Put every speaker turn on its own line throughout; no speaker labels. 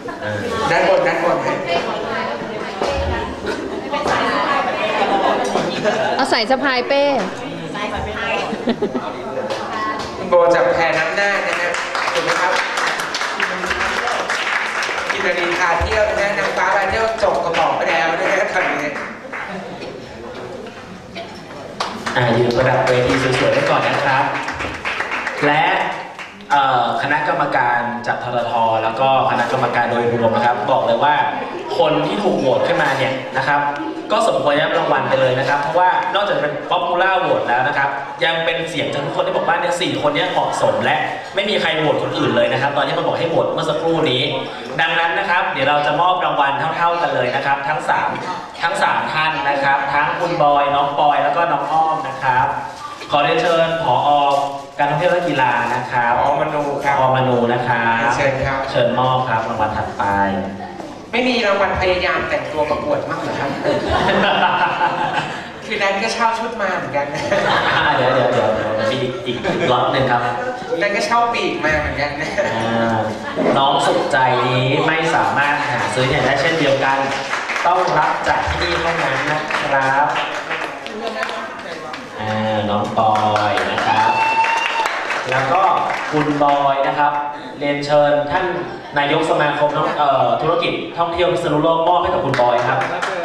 ด้านบน
เอาใส่สะพายเป้
คุณโบจากแพน้ำหน้านะฮะถูกไหมครับกินนาฬิกาเที่ยวนะฮะนางฟ้าไปเที่ยวจบกระบอกไปแล้วนะฮะตอนนี้
ยืนประดับเวทีสวยๆไว้ก่อนนะครับ และคณะกรรมการจากทททแล้วก็คณะกรรมการโดยรวมนะครับบอกเลยว่าคนที่ถูกโหวตขึ้นมาเนี่ยนะครับก็สมควรได้รับรางวัลไปเลยนะครับเพราะว่านอกจากเป็น Popular Vote แล้วนะครับยังเป็นเสียงจากทุกคนที่บอกว่าเนี่ย4 คนนี้เหมาะสมและไม่มีใครโหวตคนอื่นเลยนะครับตอนที่มันบอกให้โหวตเมื่อสักครู่นี้ดังนั้นนะครับเดี๋ยวเราจะมอบรางวัลเท่าๆกันเลยนะครับทั้ง3ท่านนะครับทั้งคุณบอยน้องปอยแล้วก็น้องอ้อมนะครับขอเรียนเชิญผอ.การท่องเที่ยวและกีฬานะครับ
ผอ.มนูครับ
ผอ.มนูนะครับ
เชิญครับ
เชิญมอบครับรางวัลถัดไป
ไม่มีรางวัลพยายามแต่งตัวประกวดมากเหรอครับคือนั้นก็เช่าชุดมาเหมือนกัน
เดี๋ยวมีอีกล็อตหนึ่งครับ
นั้นก็เช่าปีกมาเหมือนกัน
น้องสุขใจนี้ไม่สามารถหาซื้อเนี่ยได้เช่นเดียวกันต้องรับจากที่นี่เท่านั้นนะครับน้องปอยนะครับแล้วก็คุณบอยนะครับเรียนเชิญท่านนายกสมาคมธุรกิจท่องเที่ยวพิษณุโลกมอบให้กับคุณบอยครับ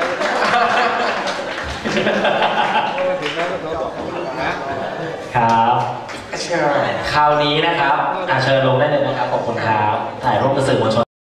ครับ
เชิญ
คราวนี้นะครับเชิญลงได้เลยนะครับขอบคุณครับถ่ายรูปกับสื่อมวลชน